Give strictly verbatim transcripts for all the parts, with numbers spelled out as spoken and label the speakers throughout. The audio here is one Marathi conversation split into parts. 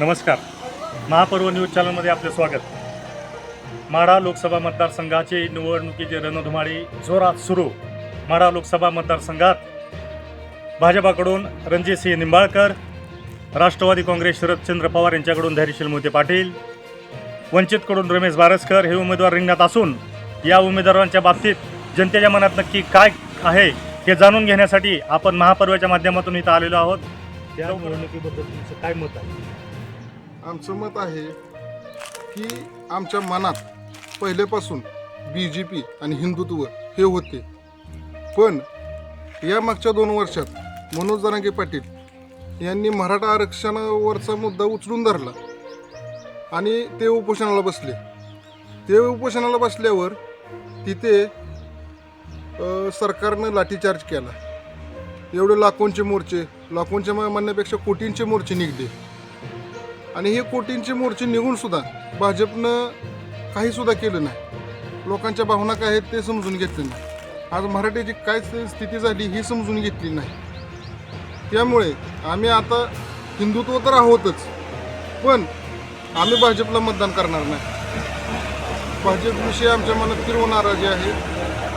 Speaker 1: नमस्कार. महापर्व न्यूज चॅनलमध्ये आपले स्वागत. माढा लोकसभा मतदारसंघाची निवडणुकीची रणधुमाळी जोरात सुरू. माढा लोकसभा मतदारसंघात भाजपाकडून रणजितसिंह निंबाळकर, राष्ट्रवादी काँग्रेस शरदचंद्र पवार यांच्याकडून धैर्यशील मोहिते पाटील, वंचितकडून रमेश बारसकर हे उमेदवार रिंगणात असून या उमेदवारांच्या बाबतीत जनतेच्या मनात नक्की काय आहे हे जाणून घेण्यासाठी आपण महापर्वाच्या माध्यमातून इथं आलेलो आहोत. या निवडणुकीबद्दल तुमचं काय मत आहे?
Speaker 2: आमचं मत आहे की आमच्या मनात पहिलेपासून बी जे पी आणि हिंदुत्व हे होते, पण या मागच्या दोन वर्षात मनोज जरांगे पाटील यांनी मराठा आरक्षणावरचा मुद्दा उचलून धरला आणि ते उपोषणाला बसले. ते उपोषणाला बसल्यावर तिथे अ, सरकारनं लाठीचार्ज केला. एवढे लाखोंचे मोर्चे, लाखोंच्या म्हणण्यापेक्षा कोटींचे मोर्चे निघले आणि हे कोटींचे मोर्चे निघून सुद्धा भाजपनं काहीसुद्धा केलं नाही. लोकांच्या भावना काय आहेत ते समजून घेतले नाही. आज मराठीची काय स्थिती झाली ही समजून घेतली नाही. त्यामुळे आम्ही आता हिंदुत्व तर आहोतच, पण आम्ही भाजपला मतदान करणार नाही. भाजपविषयी आमच्या मनात तीव्र नाराजी आहे.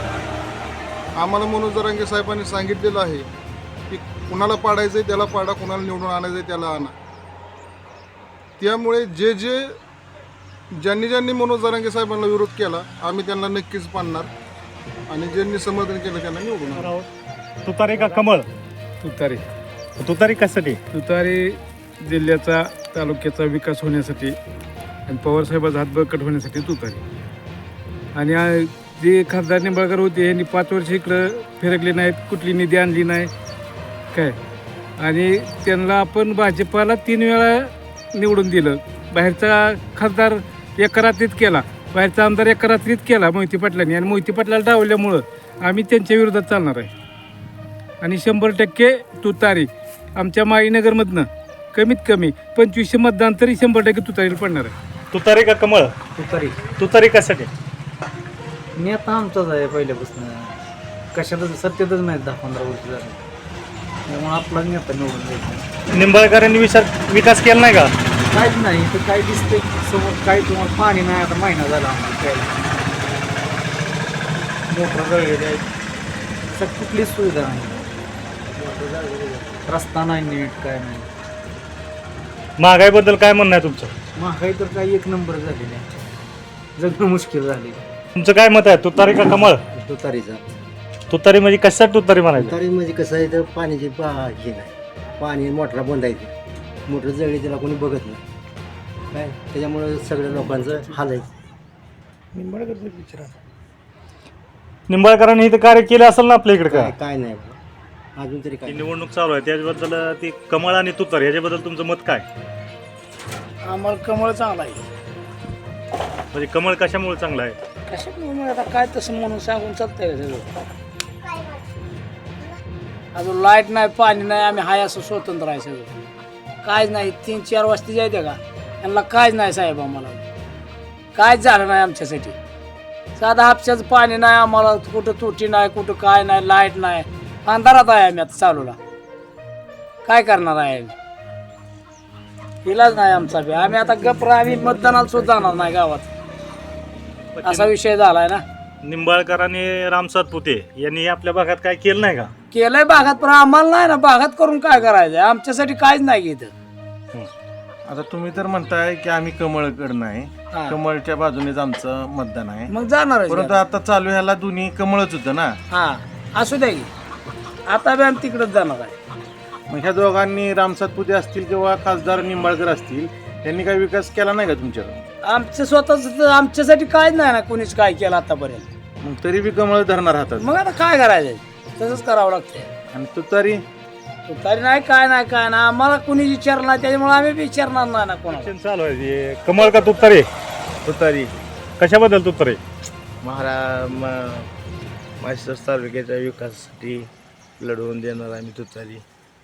Speaker 2: आम्हाला मनोज जरांगे साहेबांनी सांगितलेलं आहे की कुणाला पाडायचं आहे त्याला पाडा, कुणाला निवडून आणायचं आहे त्याला आणा. त्यामुळे जे जे ज्यांनी ज्यांनी मनोज जरांगे साहेबांना विरोध केला आम्ही त्यांना नक्कीच पाडणार आणि ज्यांनी समर्थन केलं त्यांना निवडून आणणार.
Speaker 1: तुतारी का कमळ?
Speaker 3: तुतारी.
Speaker 1: तुतारी कशासाठी?
Speaker 3: तुतारी जिल्ह्याचा, तालुक्याचा विकास होण्यासाठी आणि पवारसाहेबाचा हात बळकट होण्यासाठी तुतारी. आणि आ- जे खासदार निंबाळकर होते यांनी पाच वर्ष इकडं फिरकले नाहीत, कुठली निधी आणली नाही काय, आणि त्यांना आपण भाजपाला तीन वेळा निवडून दिलं. बाहेरचा खासदार एका रात्रीत केला, बाहेरचा आमदार एका रात्रीत केला मोहिते पाटलांनी, आणि मोहिते पाटलाला डावल्यामुळं आम्ही त्यांच्या विरोधात चालणार आहे. आणि शंभर टक्के तुतारी आमच्या माईनगरमधनं कमीत कमी पंचवीसशे मतदान तरी शंभर टक्के तुतारीला पडणार आहे.
Speaker 1: तुतारी का कमळ?
Speaker 4: तुतारी.
Speaker 1: तुतारी कशासाठी?
Speaker 4: नेता आमचाच आहे पहिल्यापासून, कशातच सत्तेतच नाही दहा पंधरा वर्ष झाले, त्यामुळे आपला नेता निवडून द्यायचा.
Speaker 1: निंबाळकरांनी विचार विकास केला नाही का?
Speaker 4: काहीच नाही तर काय दिसतंय समोर, काही तुम्हाला पाणी नाही. आता महिना झाला आम्हाला प्यायला, मोटर जळलेली आहे, सग कुठलीच सुविधा नाही, रस्ता नाही नीट, काय नाही.
Speaker 1: महागाईबद्दल काय म्हणणं आहे तुमचं?
Speaker 4: महागाई तर काही एक नंबर झालेली आहे, जगणं मुश्किल झाले.
Speaker 1: तुमचं काय मत आहे? तुतारी का कमळ?
Speaker 5: तुतारीचा.
Speaker 1: तुतारी म्हणजे कशासाठी तुतारी म्हणायचं?
Speaker 5: तुतारी म्हणजे कसं आहे तर पाण्याची पा हे नाही, पाणी मोटरा बंद आहे, ती मोटर जळली त्याला कोणी बघत नाही काय, त्याच्यामुळे सगळ्या लोकांचं हाल आहे.
Speaker 1: निंबाळकरांनी इथं कार्य केलं असेल ना आपल्या इकडे का?
Speaker 5: काय काय नाही बाबा. अजून तरी काय
Speaker 1: निवडणूक चालू आहे त्याच्याबद्दल, ती कमळ आणि तुतारी याच्याबद्दल तुमचं मत काय?
Speaker 6: आम्हाला कमळ चांगला आहे.
Speaker 1: म्हणजे कमळ कशामुळे चांगलं आहे?
Speaker 6: कशामुळे आता काय तसं म्हणून सांगून चालतंय का सगळं? अजून लाईट नाही, पाणी नाही, आम्ही हाय असं स्वतंत्र आहे सगळं. कायच नाही. तीन चार वाजता जायचं का यांना कायच नाही साहेब, आम्हाला कायच झालं नाही आमच्यासाठी. साधा हापशाचं पाणी नाही आम्हाला, कुठं तुटी नाही, कुठं काय नाही, लाईट नाही, अंधारात आहे आम्ही आता चालूला. काय करणार आहे आम्ही? इलाज नाही आमचा बी. आम्ही आता गप्रा, आम्ही मतदानाला सुद्धा जाणार नाही गावात, असा विषय झालाय ना.
Speaker 1: निंबाळकर आणि राम सातपुते यांनी आपल्या भागात काय केलं नाही का?
Speaker 6: केलंय भागात, पण आम्हाला नाही ना. भागात करून काय करायचंय? आमच्यासाठी काहीच नाही घेत.
Speaker 7: आता तुम्ही तर म्हणताय की आम्ही कमळकडे नाही,
Speaker 6: हा.
Speaker 7: कमळच्या बाजूनेच आमचं मतदान आहे,
Speaker 6: मग जाणार
Speaker 7: परंतु आता चालू ह्याला दोन्ही कमळच होतं ना.
Speaker 6: हा असू द्या की, आता बी आम्ही तिकडच जाणार आहे.
Speaker 7: मग ह्या दोघांनी राम सातपुते असतील किंवा खासदार निंबाळकर असतील, त्यांनी काही विकास केला नाही का तुमच्याकडे?
Speaker 6: आमचं स्वतःच आमच्यासाठी काहीच नाही ना कोणीच काय केलं आतापर्यंत.
Speaker 7: मग तरी बी कमळ धरणार हातात.
Speaker 6: मग आता काय करायचंय? तसंच करावं लागतंय.
Speaker 7: आणि तुतारी
Speaker 6: तरी नाही, काय नाही, काय नाही. आम्हाला कुणी विचारलं नाही, त्याच्यामुळे आम्ही विचारणार नाही ना कोणाला.
Speaker 1: इलेक्शन चालू आहे ते. कमळ का तुतारी?
Speaker 7: तुतारी
Speaker 1: कशाबद्दल तुतारी?
Speaker 7: महारा मास्टर तालुक्याच्या विकासासाठी लढवून देणार आम्ही तुतारी.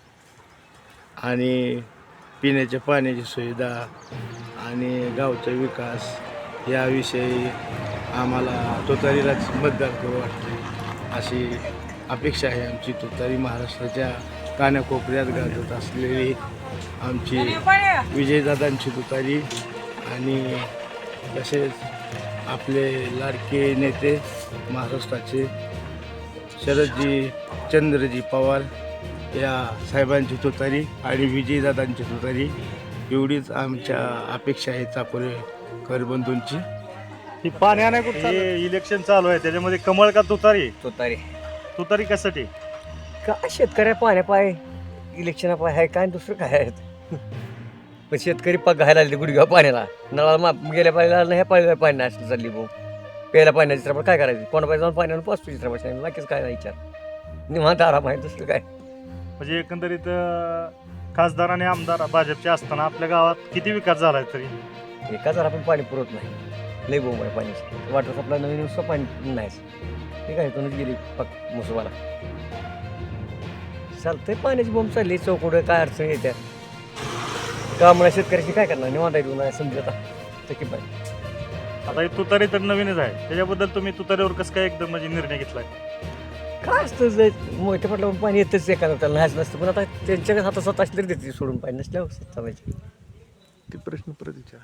Speaker 7: आणि पिण्याच्या पाण्याची सुविधा आणि गावचा विकास याविषयी आम्हाला तुतारीलाच मतदान करू वाटते अशी अपेक्षा आहे आमची. तुतारी महाराष्ट्राच्या कानाकोपऱ्यात गाजत असलेली
Speaker 3: आमची विजयदादांची तुतारी आणि तसेच आपले लाडके नेते महाराष्ट्राचे शरदजी चंद्रजी पवार या साहेबांची तुतारी आणि विजयदादांची तुतारी एवढीच आमच्या अपेक्षा आहे चाकोरेकर बंधूंची.
Speaker 1: ही पाण्या नाही कुठं हे इलेक्शन चालू आहे त्याच्यामध्ये कमळ का तुतारी?
Speaker 8: तुतारी
Speaker 1: तुतारी कशासाठी?
Speaker 8: काय शेतकऱ्या पाण्या पाय इलेक्शन पाय आहे काय दुसरं काय आहे. पण शेतकरी पग घायला लागले गुडघ्या पाण्याला नळाला मा गेल्या पाण्याला नाही ह्या पाण्याला पाणी नाही असलं चालली भाऊ प्यायला पाण्याची चित्रपट काय करायचं कोणा पाहिजे जाऊन पाण्यानं पाचतो चित्रपट बाकीच काय नाही विचार निवांत आराम आहे दुसरं काय.
Speaker 1: म्हणजे एकंदरीत अं, खासदार आणि आमदार भाजपचे असताना आपल्या गावात किती विकास झाला आहे तरी?
Speaker 8: एका जर आपण पाणी पुरवत नाही लई बोंब आहे पाण्याची वाटर सप्लाय नवीन नुसतं पाणी नाहीच ठीक आहे इथूनच गेली पक मुसवाला चालतंय पाण्याची बोंब चालली चौकडं काय अडचण येत्या कामळा शेतकऱ्याची काय करणार निवांत आहे नाही समजत आता की बाय.
Speaker 1: आता ही तुतारी तर नवीनच आहे त्याच्याबद्दल तुम्ही तुतारीवर कसं काय एकदम म्हणजे निर्णय घेतलाय?
Speaker 8: काय असतं जे मोठ्या पटल्यावर पाणी येतच एखादं त्याला नाहीच नसतं पण आता त्यांच्या हातात स्वतः असले तरी देते सोडून पाणी नसल्यावर चालायचे.
Speaker 7: ते प्रश्न परत विचार.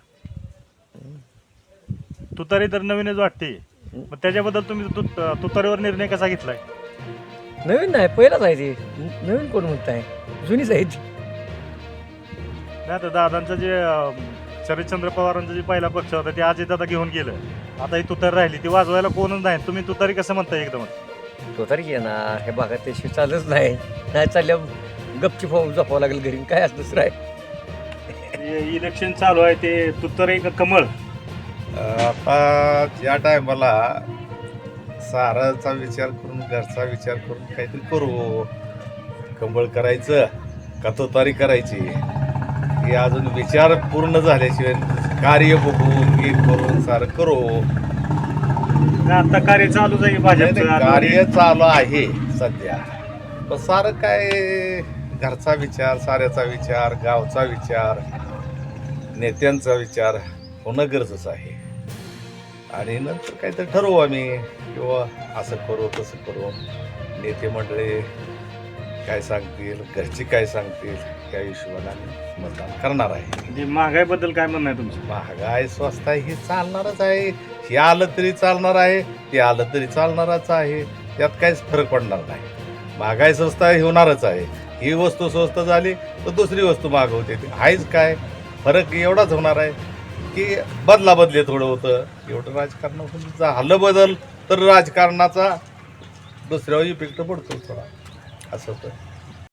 Speaker 1: तुतारी तर नवीनच वाटते मग त्याच्याबद्दल तुम्ही तु- तुतारीवर निर्णय कसा घेतलाय?
Speaker 8: नवीन नाही पहिलाच आहे ते नवीन कोण म्हणताय जुनीच आहे ती.
Speaker 1: नाही तर दादांचं जे अं, शरदचंद्र पवारांचा जे पहिला पक्ष होता ते आजी दादा घेऊन गेलं आता ही तुतारी राहिली ती वाजवायला कोणच नाही तुम्ही तुतारी कसं म्हणताय एकदम?
Speaker 8: तो तरी येणार हे भागात त्याशिवाय चालच नाही नाही चालल्या गपची फावून जपावं लागेल घरी काय असं दुसरं आहे.
Speaker 1: इलेक्शन चालू आहे ते तुतारी का कमळ?
Speaker 9: आता ज्या टायमाला साराचा विचार करून घरचा विचार करून काहीतरी करू कंबळ करायचं का तुतारी करायची हे अजून विचार पूर्ण झाल्याशिवाय कार्य बघून हे करून सारं करू.
Speaker 1: आता कार्य चालूच आहे भाजपचं.
Speaker 9: कार्य चालू आहे सध्या पण सारं काय घरचा विचार साऱ्याचा विचार गावचा विचार नेत्यांचा विचार होणं गरजेचं आहे आणि नंतर काहीतरी ठरवू आम्ही किंवा असं करू तसं करू. नेते मंडळी काय सांगतील घरची काय सांगतील त्या हिशोबाने आम्ही मतदान करणार आहे.
Speaker 1: म्हणजे महागाईबद्दल काय म्हणणं आहे तुमचं?
Speaker 9: महागाई स्वस्त आहे हे चालणारच आहे हे आलं तरी चालणार आहे ते आलं तरी चालणारच आहे त्यात काहीच फरक पडणार नाही. महागाई स्वस्त आहे होणारच आहे ही वस्तू स्वस्त झाली तर दुसरी वस्तू महाग होते आहेच काय फरक एवढाच होणार आहे की बदला बदले थोडं होतं एवढं राजकारणातून झालं बदल तर राजकारणाचा दुसऱ्यावर इफेक्ट पडतो थोडा असं होतं.